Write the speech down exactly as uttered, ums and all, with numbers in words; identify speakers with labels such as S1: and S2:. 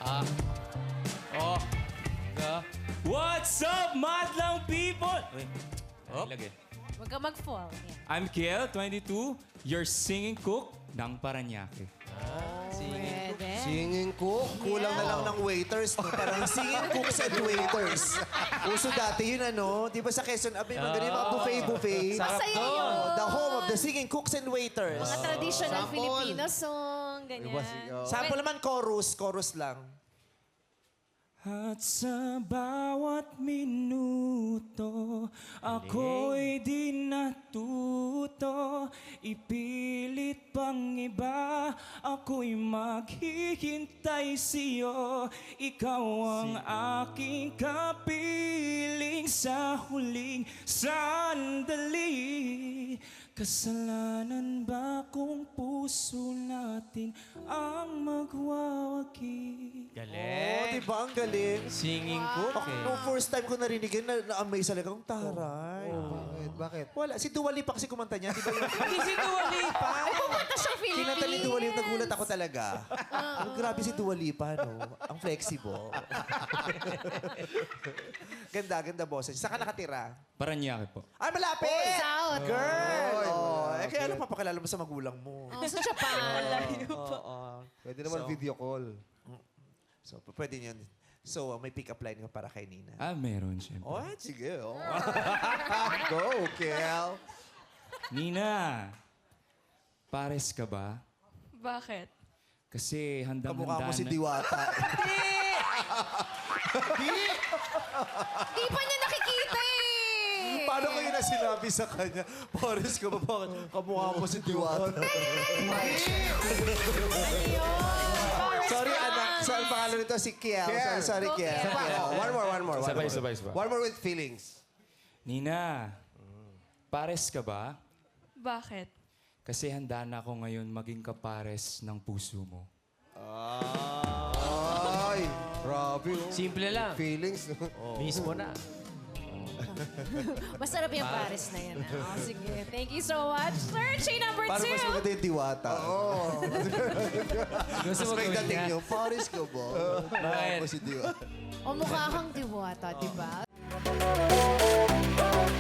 S1: Ah. Oh. Ga. What's up, madlang people? Wait. Oh. Lagay.
S2: Huwag ka mag-fall. Yan.
S1: I'm Kiel, twenty-two, your singing cook ng Paranaque.
S2: Pwede.
S3: Singing cook? Kulang na lang ng waiters, no? Parang singing cooks and waiters. Uso dati yun, ano? Di ba sa Quezon, abay, magaling mga buffet-buffet.
S2: Masaya yun.
S3: The home of the singing cooks and waiters.
S2: Mga traditional Filipino song, ganyan.
S3: Sample naman, chorus. Chorus lang.
S1: At sa bawat minuto, ako'y di natuto. Ipilit pang iba, ako'y maghihintay sa'yo. Ikaw ang aking kapiling sa huling sandali. Kasalanan ba kung puso natin ang magwawagi?
S3: Oh, di ba? Ang galing.
S4: Singing cook
S3: Ako,
S4: eh.
S3: nung first time ko narinig yun, na- na-amaze talaga. Ang taray.
S5: Bakit? Bakit?
S3: Wala. Si Dua Lipa kasi kumanta niya. Di ba yun?
S1: Hindi si Dua Lipa!
S2: Kumanta siyang Philippines.
S3: Kinanta ni Dua Lipa, nagulat ako talaga. Ang grabe si Dua Lipa, no? Ang flexible. Ganda, ganda boses. Saan ka nakatira?
S1: Paranaque po.
S3: Ay, malapit!
S2: South.
S3: Girl! Oh, eh, kaya ano papakilala mo sa magulang mo?
S2: Oh, sa Japan.
S3: Oo.
S5: Pwede naman video call.
S3: So, p- pwede yun. So, uh, may pick-up line ka para kay Nina.
S1: Ah, meron siyempre.
S3: Oh, sige. Oh. Go, Kel.
S1: Nina, pares ka ba?
S2: Bakit?
S1: Kasi handang-handa
S3: Kamukha mo si
S1: na-
S3: Diwata.
S2: Di pa niya nakikita eh.
S3: Paano kayo na sinabi sa kanya? Paris ka ba? Bakit? Kamukha mo si Diwata. Sorry, anak. So, ang pangalan nito si Kiel. Sorry, sorry, Kiel.
S2: Okay.
S3: Kiel.
S5: Oh, one more, one more. one
S4: Sabay,
S5: more.
S4: sabay, sabay.
S5: One more with feelings.
S1: Nina, pares ka ba?
S6: Bakit?
S1: Kasi handa na ako ngayon maging kapares ng puso mo.
S5: Ay, grabe. oh.
S4: Simple lang.
S5: Feelings.
S4: Mismo na.
S2: Masarap yung Paris na yan. ah. Oh, sige. Thank you so much. Searching number
S3: Paano
S2: two.
S3: mas maganda yung Diwata? Oo.
S4: Gusto
S3: Mas
S4: mo
S3: may
S4: gawin
S3: dating
S4: niya?
S3: yung Paris ka ba? Kamukha mo si Diwata.
S2: O mukha kang diwata, di ba?